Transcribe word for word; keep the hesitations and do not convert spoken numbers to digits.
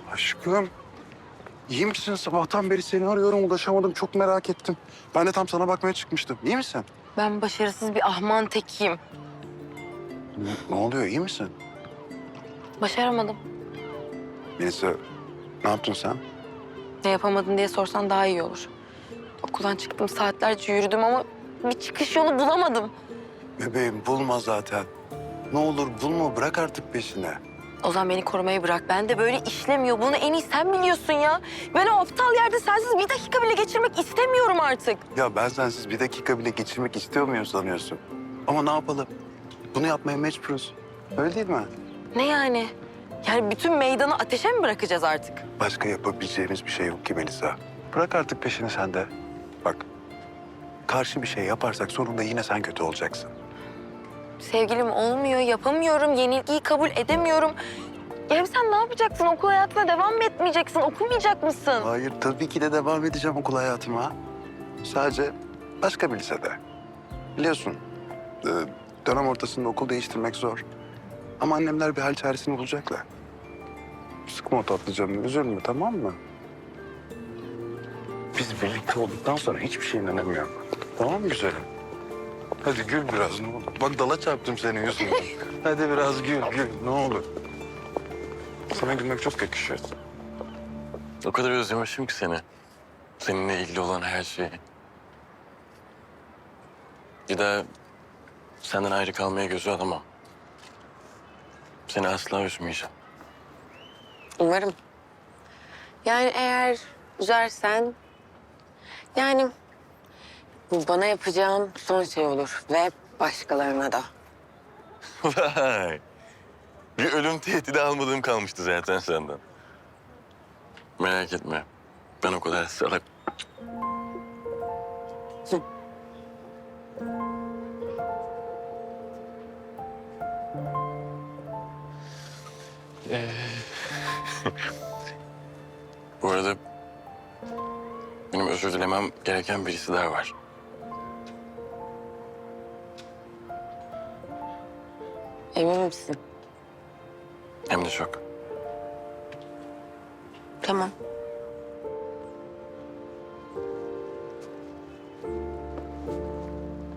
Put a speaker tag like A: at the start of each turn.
A: Aşkım, iyi misin? Sabahtan beri seni arıyorum, ulaşamadım. Çok merak ettim. Ben de tam sana bakmaya çıkmıştım. İyi misin?
B: Ben başarısız bir ahman tekiyim.
A: Ne, ne oluyor, iyi misin?
B: Başaramadım.
A: Melisa, ne yaptın sen?
B: Ne yapamadın diye sorsan daha iyi olur. Okuldan çıktım, saatlerce yürüdüm ama bir çıkış yolu bulamadım.
A: Bebeğim, bulma zaten. Ne olur bulma, bırak artık peşine.
B: Ozan beni korumayı bırak. Ben de böyle işlemiyor. Bunu en iyi sen biliyorsun ya. Ben o aptal yerde sensiz bir dakika bile geçirmek istemiyorum artık.
A: Ya ben sensiz bir dakika bile geçirmek istiyor muyum sanıyorsun? Ama ne yapalım? Bunu yapmaya mecburuz. Öyle değil mi?
B: Ne yani? Yani bütün meydanı ateşe mi bırakacağız artık?
A: Başka yapabileceğimiz bir şey yok ki Melisa. Bırak artık peşini sen de. Bak, karşı bir şey yaparsak sonunda yine sen kötü olacaksın.
B: Sevgilim olmuyor, yapamıyorum, yenilgiyi kabul edemiyorum. Ya hem sen ne yapacaksın? Okul hayatına devam mı etmeyeceksin? Okumayacak mısın?
A: Hayır, tabii ki de devam edeceğim okul hayatıma. Sadece başka bir lisede. Biliyorsun, e, dönem ortasında okul değiştirmek zor. Ama annemler bir hal çaresini bulacaklar. Sıkma o tatlı canını, üzülme, tamam mı? Biz birlikte olduktan sonra hiçbir şeyin önemi yok. Tamam mı güzelim? Hadi gül biraz ne olur. Bak dala çarptım senin yüzünden. Hadi biraz gül, gül ne olur. Sana gülmek çok yakışıyor.
C: O kadar özlemişim ki seni. Seninle ilgili olan her şeyi. Bir daha senden ayrı kalmaya gözü alamam. Seni asla üzmeyeceğim.
B: Umarım. Yani eğer üzersen... Yani bu bana yapacağım son şey olur ve başkalarına da.
C: Vay! Bir ölüm tehdidi almadığım kalmıştı zaten senden. Merak etme. Ben o kadar salak... Ee... Bu arada benim özür dilemem gereken birisi daha var.
B: Emin misin?
C: Hem de çok.
B: Tamam.